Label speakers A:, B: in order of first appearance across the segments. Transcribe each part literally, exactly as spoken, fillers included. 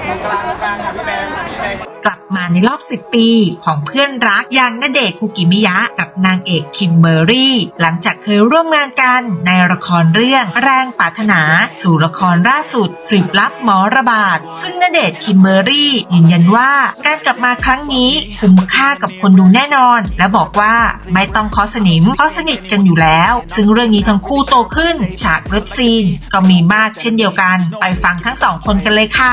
A: กลับมาในรอบสิบปีของเพื่อนรักอย่างณเดชน์ คุกิมิยะกับนางเอกคิมเบอร์รี่หลังจากเคยร่วมงานกันในละครเรื่องแรงปรารถนาสู่ละครล่าสุดสืบลับหมอระบาดซึ่งณเดชน์ คิมเบอร์รี่ยืนยันว่าการกลับมาครั้งนี้คุ้มค่ากับคนดูแน่นอนและบอกว่าไม่ต้องเคาะสนิมเพราะสนิทกันอยู่แล้วซึ่งเรื่องนี้ทั้งคู่โตขึ้นฉากเลิฟซีนก็มีมากเช่นเดียวกันไปฟังทั้งสองคนกันเลยค่ะ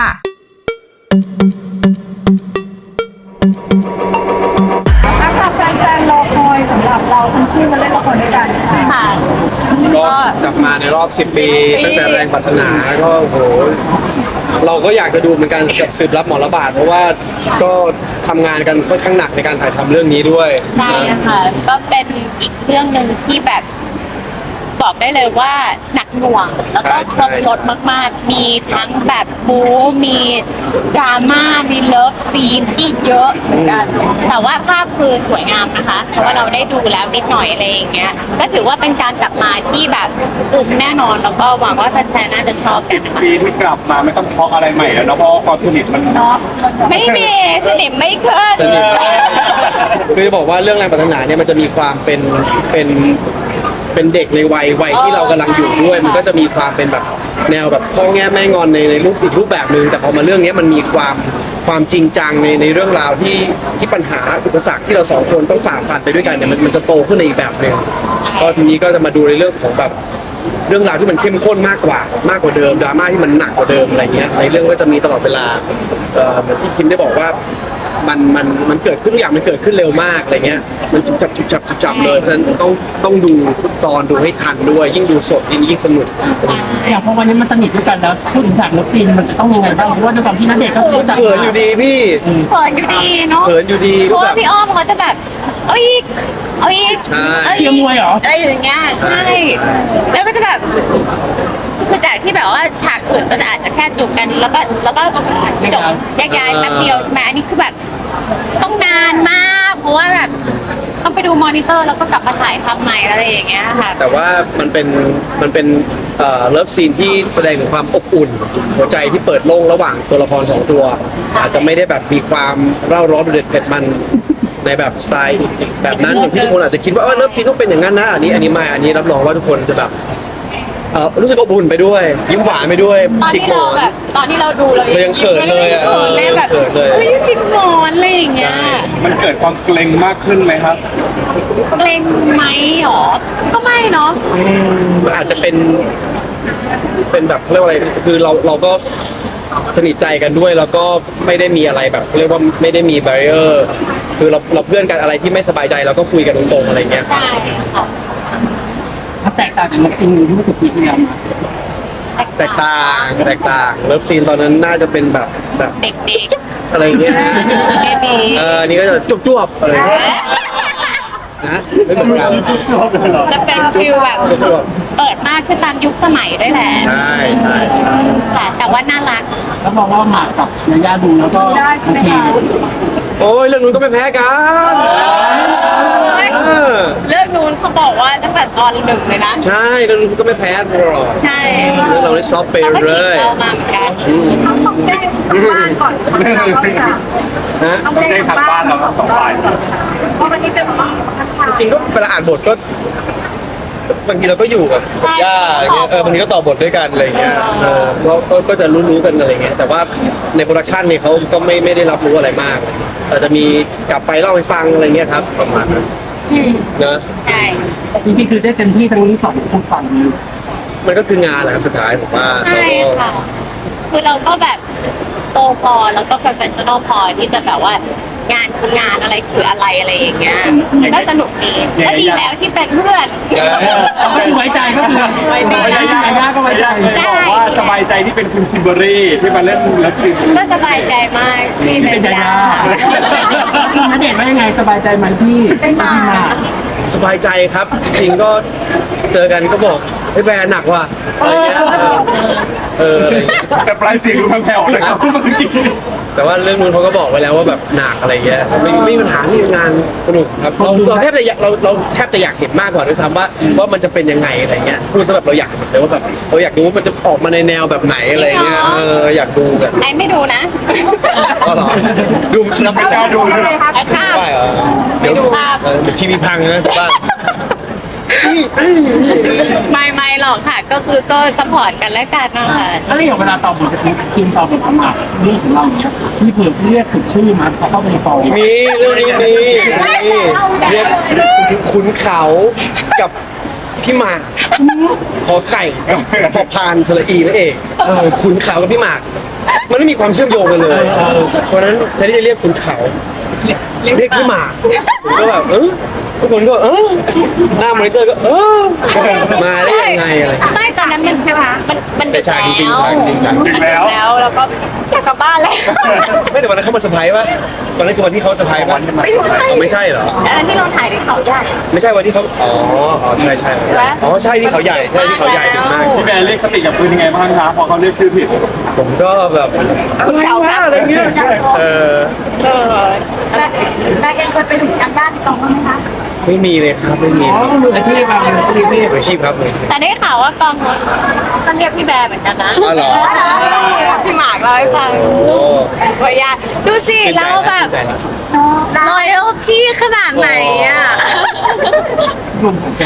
B: แฟนๆรอคอยสำหรับเราทั้งคู่มาเล่นละครด้วยกันค่ะ
C: ก็กลับมาในรอบสิบปีตั้งแต่แรงปรารถนาก็โหเราก็อยากจะดูเหมือนกันกับสืบรับหมอระบาดเพราะว่าก็ทำงานกันค่อนข้างหนักในการถ่ายทำเรื่องนี้ด้วย
D: ใช่ค่ะก็เป็นอีกเรื่องหนึ่งที่แบบบอกได้เลยว่าหนักหน่วงแล้วก็ครบรสมากๆมีทั้งแบบบู๊มีดราม่ามีเลิฟซีนที่เยอะเหมือนกันแต่ว่าภาพคือสวยงามนะคะเพราะว่าเราได้ดูแล้วนิดหน่อยอะไรอย่างเงี้ยก็ถือว่าเป็นการกลับมาที่แบบคุ้มแน่นอนแล้วก็หวังว่าแฟนๆน่าจะชอบกันนะคะ
E: ปีที่กลับมาไม่ต้องเพาะอะไรใหม่แล้วเนาะเพราะความสนิทมันเนาะ
D: ไม่มีสนิทไม่ขึ้น
C: สนิทคือจะบอกว่าเรื่องแรงปรารถนาเนี่ยมันจะมีความเป็นเป็นเป็นเด็กในวัยวัยที่เรากำลังอยู่ด้วยมันก็จะมีความเป็นแบบแนวแบบพ่อแง่แม่งอนในในรูปอีกรูปแบบนึงแต่พอมาเรื่องนี้มันมีความความจริงจังในในเรื่องราวที่ที่ปัญหาอุปสรรคที่เราสองคนต้องฝ่าฟันไปด้วยกันเนี่ยมันมันจะโตขึ้นในอีกแบบนึงก็ทีนี้ก็จะมาดูในเรื่องของแบบเรื่องราวที่มันเข้มข้นมากกว่ามากกว่าเดิมดราม่าที่มันหนักกว่าเดิมอะไรเงี้ยในเรื่องก็จะมีตลอดเวลาเหมือนที่คิมได้บอกว่ามันมันมันเกิดขึ้นทุกอย่างมันเกิดขึ้นเร็วมากอะไรเงี้ยมันจุบจับจุบจับจุบจับเลยเพราะฉะนั้นต้องต้องดูทุกตอนดูให้ทันด้วยยิ่งดูสดยิ่งยิ่งสนุก
B: อย่างพอวันนี้มันสนิทด้วยกันแล้วพูดถึงฉากเลิฟซีนมันจะต้องยังไงบ้างเพราะว่าด้วยความที่ณเดชน์ก็รู้จัก
C: เขินอยู่ดีพี่
D: เขินอยู่ดีเนาะ
C: เขินอยู่ดี
D: เพราะว่าพี่อ้อมเขาจะแบบเอาอีกเอาอีก
B: เทียมมวยเหรอ
D: อะไรอย่างเงี้ยใช่แล้วก็จะแบบคือจากที่แบบว่าฉากอื่นก็จะอาจจะแค่จูบกันแล้วก็แล้วก็จบแยกย้ายแป๊บเดียวใช่ไหมอันนี้คือแบบต้องนานมากเพราะว่าแบบต้องไปดูมอนิเตอร์แล้วก็กลับมาถ่ายทำใหม่อะไรอย่างเงี้ยค่ะ
C: แต่ว่ามันเป็นมันเป็นเอ่อเลิฟซีนที่แสดงถึงความอบอุ่นหัวใจที่เปิดโล่งระหว่างตัวละครสองตัวอาจจะไม่ได้แบบมีความเร่าร้อนเด็ดเผ็ดมันในแบบสไตล์แบบนั้นอย่างที่ทุกคนอาจจะคิดว่าเออเลิฟซีนต้องเป็นอย่างนั้นนะอันนี้อันนี้ไม่อันนี้รับรองว่าทุกคนจะแบบเออรู้สึกอบอุ่นไปด้วยยิ้มหวานไปด้วย
D: ตอนที่เราแบบตอนที่เราดูเรา
C: ยังเขินเลยอ่ะ
D: เลยแบบเฮ้ยจิกหมอนอะไรอย่างเงี้ย
E: มันเกิดความเกรงมากขึ้นไหมครับ
D: เกรงไหมหรอก็ไม่เนาะ
C: มันอาจจะเป็นเป็นแบบเรียกว่าอะไรคือเราเราก็สนิทใจกันด้วยแล้วก็ไม่ได้มีอะไรแบบเรียกว่าไม่ได้มีแบรีเออร์คือเราเราเพื่อนกันอะไรที่ไม่สบายใจเราก็คุยกันตรงๆอะไรเงี้ย
D: ใช่ค่ะ
B: มันแตกต่างจากเลิฟซีนที่รู้สึกปีที่แล้ว
C: แตกต่างแตกต่างเลิฟซีนตอนนั้นน่าจะเป็นแบบแบบ
D: เด็ก
C: ๆอะไรเงี้ยเออนี่ก็จะจุ๊บๆอะไรนะไม่เหมือนกัน
D: จะเป็นฟิลแบบเปิดมากขึ้นตามยุคสมัยด้วยแหละ
C: ใช่ใช่ใช่
D: ค่ะแต่ว่าน่ารัก
B: แล้วมองว่าหมากกับยาย่าดูแล้วก็โอเค
C: โอ้ยเรื่องนู้นก็ไม่แพ้กัน
D: เรื่องนู้นเขาบอกว่าตั้งแต่ตอนหนึ่งเลยนะ
C: ใช่เรื่องนู้นก็ไม่แพ้หรอก
D: ใช่
C: เรื่องเราได้ซอฟต์ไปเลย
D: เรามาเหมือนกัน
B: ต้องแจ้งทางบ้านก่อน
E: ฮะต้องแจ้งทางบ้านเราทั้งสองฝ่าย
B: เพราะวันนี้เป็นวัน
C: จริงก็เวลาอ่านบทก็บางทีเราก็อยู่กับสัญญาอะไรเงี้ยเออบางทีก็ต่อบทด้วยกันอะไรเงี้ยเออก็ก็จะรู้ๆกันอะไรเงี้ยแต่ว่าในโปรดักชันเนี่ยเขาก็ไม่ไม่ได้รับรู้อะไรมากอาจจะมีกลับไปเล่าให้ฟังอะไรเงี้ยครับประมาณนั้นนะ
D: ใช่
B: จริงๆคือได้เต็มที่ทั้งสองคนฝั่ง
C: มันก็คืองานแหละครับสุดท้ายผมว่า
D: ใช่ค่ะคือเราก็แบบโตพอแล้วก็ professional พอที่จะแบบว่างานคืองานอะไรคืออะไรอะไรอย่างเงี้ยก็สนุกดีก็ดีแล้วที่เป็นเพื่อน
B: ก็ไว้ใจก็ไว้ใจยาย่าก็ไว้ใจ
E: บอกว่าสบายใจที่เป็นคุณคิมเบอร์รี่ที่มาเล่นเลิฟซีน
D: ก็สบายใจมากที่เป็นยาย่า
B: ณเดชน์ว่ายังไงสบายใจไหมที่ที่มา
C: สบายใจครับจริงก็เจอกันก็บอกไอ้แบรนด์หนักว่ะอะไรเงี้ยเออ
E: แต่ปลายเสียงดูแผ่วๆนะครับเมื่อกี้
C: แต่ว่าเรื่องนู้นเขาก็บอกไว้แล้วว่าแบบหนักอะไรเงี้ยไม่ไม่มีปัญหาไม่มีงานสนุกครับเราเราแทบจะอยากเราเราแทบจะอยากเห็นมากกว่าด้วยซ้ำว่าว่ามันจะเป็นยังไงอะไรเงี้ยพูดซะแบบเราอยากเห็นเลยว่าแบบเราอยากดูว่ามันจะออกมาในแนวแบบไหนอะไรเงี้ยเอออยากดูแบบ
D: ไอ้ไม่ดูนะ
C: ก็หรอดู
E: เราไม่กล้าดูเลย
D: ไอ้ข้าม
C: ได้เหรอเดี๋ยว
D: ภาพ
C: เออเดี๋ยวทีวีพังนะบ้าน
D: ไม่ไม่หรอกค่ะ ก็คือก็สปอร์ตกันและกันนะคะ
B: แล้วอย่างเวลาตอบบทจะสมมติคิมตอบบทประมาทเรื่องของเราเนี้ยมีเผื่อเรียกถึงชื่อมาพอเข้าไปในฟอง
C: มีเรื่องนี้มีมีเรียกขุนเขากับพี่หมากขอไข่กับพอพานสระอีนั่นเองเออขุนเขากับพี่หมากมันไม่มีความเชื่อมโยงกันเลยเพราะฉะนั้นแทนที่จะเรียกขุนเขาเรียกพี่หมากผมก็แบบเออทุกคนก็เออหน้ามอนิเตอร์ก็เออมาได้ยังไงอะไร
D: ไม่ตอนนั้นมันใช่ไหมมันมันดึก
C: ใช่จริงๆ
D: แล้ว
C: จริงๆ
D: มันดึกแล้วแล้วก็อยากกลับบ้านแล้ว
C: ไม่แต่วันนั้นเขามาเซอร์ไพรส์ป่ะวันนั้นคือวันที่เขาเซอร์ไพรส์ป่ะอ๋อไม่ใช่เหรอ
D: อันนั้นที่เราถ่ายในเขาใหญ่
C: ไม่ใช่วันที่เขาอ๋ออ๋อใช่ใช่อ๋อใช่ที่เขาใหญ่ใช่ที่เขาใหญ่ถึงมาก
E: พี่แบร์เรียกสติกับปืนยังไงบ้างครับพอเขาเรียกชื่อผิด
C: ผมก็แบบอะไรวะอะไรเงี้ยเออ
D: เออ
F: แต่เองเคยไปดูการบ้านที่กองบ้างไหมคะ
C: ไม่มีเลยครับไม่มี
B: อ๋อก็มืออาชีพมามืออาชีพ
C: มืออาชีพครับมืออาชีพ
D: แต่ได้ข่าวว่ากองก็เรียกพี่แบร์เหมือนกันนะ
C: อ๋อเหรอ
D: พี่หมากเล่าให้ฟัง
C: โอ้
D: ว่าอยากดูสิเราแบบ loyalty ขนาดไหนอ่ะ
B: รวมของแก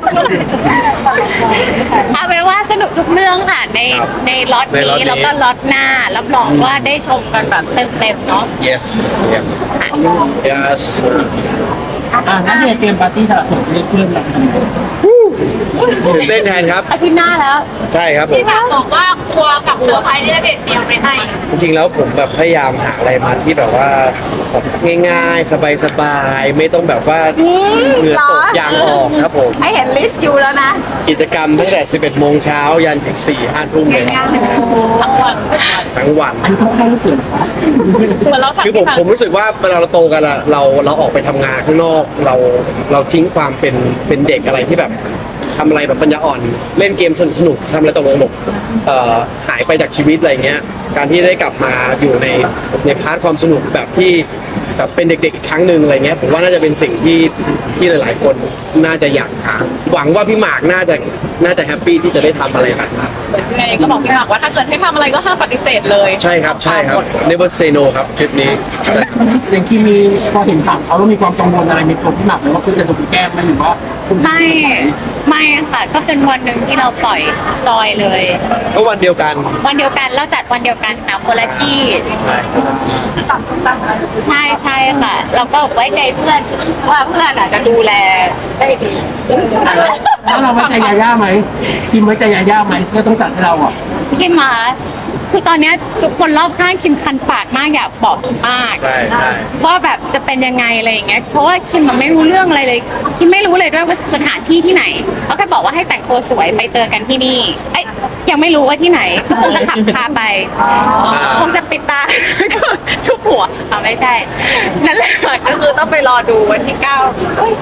D: เอาเป็นว่าสนุกทุกเรื่องค่ะในในล็อตนี้แล้วก็ล็อตหน้ารับรองว่าได้ชมกันแบบเต็มๆเนาะ
C: yes yes yes
B: อ่านั่นเนี่ยเตรียมปาร์ตี้สละโสดเรียกเพื่อนเรา
C: ตื่นเต้นแทนครับ
D: อาทิตย์หน้าแล้ว
C: ใช่ครับผม
D: พี่หมากบอกว่ากลัวกับเซอร์ไพรส์ที่เด็ดเตรียมไปให้
C: จริงๆแล้วผมแบบพยายามหาอะไรมาที่แบบว่าแบบง่ายๆ สบายๆ ไม่ต้องแบบว่าเหงื่อตกยางออกครับผม
F: ไอเห็นลิสต์อยู่แล้วนะ
C: กิจกรรมตั้งแต่ สิบเอ็ดโมงเช้ายันถึง สี่ห้าทุ่มเลยครับ
D: ทั้งวัน
C: ทั้งวัน
B: อันนี้ค่อนข้างรู้สึก
D: เหมือนเราสั่ง
C: คือผมผมรู้สึกว่าเวลาเราโตกันอะเราเราออกไปทำงานข้างนอก เราเราทิ้งความเป็นเป็นเด็กอะไรที่แบบทำอะไรแบบปัญญาอ่อน เล่นเกมสนุกสนุกทำอะไรตกลงบกเอ่อหายไปจากชีวิตอะไรเงี้ย การที่ได้กลับมาอยู่ในในพาร์ทความสนุกแบบที่แบบเป็นเด็กๆอีกครั้งหนึ่งอะไรเงี้ยผมว่าน่าจะเป็นสิ่งที่ที่หลายๆคนน่าจะอยากหาหวังว่าพี่หมากน่าจะน่าจะแฮปปี้ที่จะได้ทำอะไรแบบนั้น
D: ไงก็บอกพี่หมากว่าถ้าเกิดให้ทำอะไรก็ห้ามปฏิเสธเลย
C: ใช่ครับใช่ครับ never say no ครับทริปนี้
B: อย่างที่มีพอเห็นถามเขาแล้วมีความกังวลอะไรในตัวพี่หมากไหมว่าคุณจะถูกแก้ไหมหรือว่าคุณ
D: ไม่ไม่ค่ะก็เป็นวันหนึ่งที่เราปล่อยจอยเลย
C: ก็วันเดียวกัน
D: วันเดียวกันเราจัดวันเดียวกันนะคนละที่
C: ใช่
D: ใช่ใช่ค่ะ เราก็ไว้ใจเพื่อนว่าเพื่อนอาจจะดูแลได้ดี
B: แล้วเราไว้ใจยาย่าไหมคิมไว้ใจยาย่าไหมที่ต้องจัดให้เราอ่ะ
D: คิมมาคือตอนเนี้ยทุกคนรอบข้างคิมคันปากมากอยากบอกคิมมาก
C: ใช่ใช่
D: ว่าแบบจะเป็นยังไงอะไรอย่างเงี้ยเพราะว่าคิมมันไม่รู้เรื่องอะไรเลยคิมไม่รู้เลยด้วยว่าสถานที่ที่ไหนเขาแค่บอกว่าให้แต่งตัวสวยไปเจอกันที่นี่เอ้ยยังไม่รู้ว่าที่ไหนก็คงจะขับพาไปคงจะปิดตา ชุบหัวอ่าไม่ใช่นั่นแหละก็คือต้องไปรอดูวันที่เก้าเอ้ย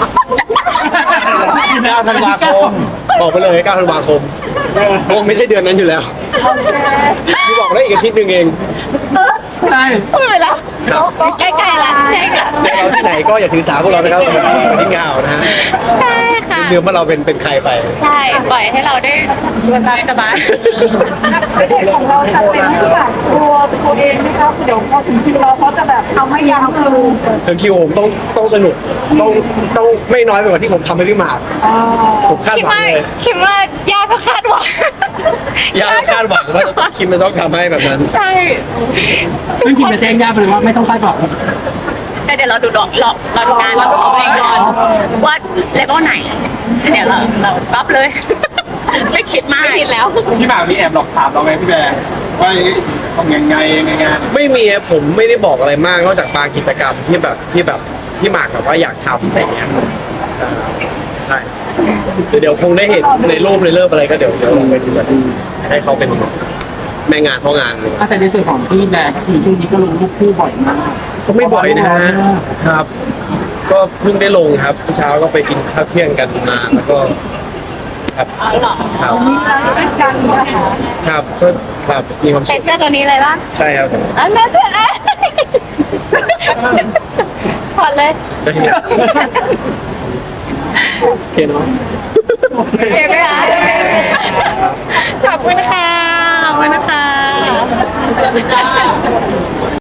C: เก้าธันวาคมบอกไปเลยเก้าธันวาคมคงไม่ใช่เดือนนั้นอยู่แล้วพี่บอกได้อีกอาทิตย์หนึ่งเอง
B: ใช่
D: พูดไปแล้วใกล้ๆแล้วใช่ค่ะ
C: เจอเราที่ไหนก็อย่าถือสาพวกเรานะครับวันที่วันที่เงานะฮะ
D: ใช่ค่ะ
C: เดือนว่าเราเป็นเป็นใครไป
D: ใช่ ปล่อยให้เราได้สบายสบาย
F: เด็กของเราจัดเต็มที่แบบตัวตัวเองนะครับเดี๋ยวพอถึงคิวเราเขาจะแบบเอาไม่ยั้งคือ
C: ถึงคิวผมต้องต้องสนุกต้องต้องไม่น้อยไปกว่าที่ผมทำให้พี่หมากผมคาด
D: คิด
C: หวัง
D: ว่า
C: เลย
D: คิดว่ายากก็คาดหวัง
C: ยากคาดหวังว่าคิมมันต้องทำให้แบบนั้น
D: ใช่
B: ซึ่งคิมจะแจ้งย่าไปเลยว่าไม่ต้องคาดหวัง
D: แต่เดี๋ยวเราดูดอกหลอกเราดูงานเราดูเอาไปก่อนว่าเลเวลไหนเดี๋ยวเราเราก๊อปเลย ไม่คิดมากไม่คิดแล้ว
E: พี่หมากมีแอบหลอกถามเราไหมพี่แบร์ว่าต้องยังไงยังไงงาน
C: ไม่มีอะผมไม่ได้บอกอะไรมากนอกจากบางกิจกรรมที่แบบที่แบบที่หมากแบบว่าอยากทำอะไรเงี้ยใช่เดี๋ยวเดี๋ยวคงได้เห็นในรูปในเริ่มอะไรก็เดี๋ยวเดี๋ยวลองไปดูกันให้เขาเป็นแม่งานพ่องานเลย
B: แต่ในส่วนของพี่แบร์ก็คือช่วงนี้ก็ลงรูปคู่บ่อยมาก
C: ก็ไม่บ่อยนะฮะครับ ก็เพิ่งได้ลงครับเมื่อเช้าก็ไปกินข้าวเที่ยงกันมาแล้วก็ครับ
D: อ๋อเหรอ
C: ครับ
F: ด้วยกันนะคะ
C: ครับก็ครับมีความ
D: ใส่
C: สุข
D: เสื้อตัวนี้เลยป่ะ
C: ใช่ครับผม
D: อันนั้นเถอะถอดเลย
C: โอเคเนาะ
D: โอเคไหมคะขอบคุณค่ะ ขอบคุณนะคะ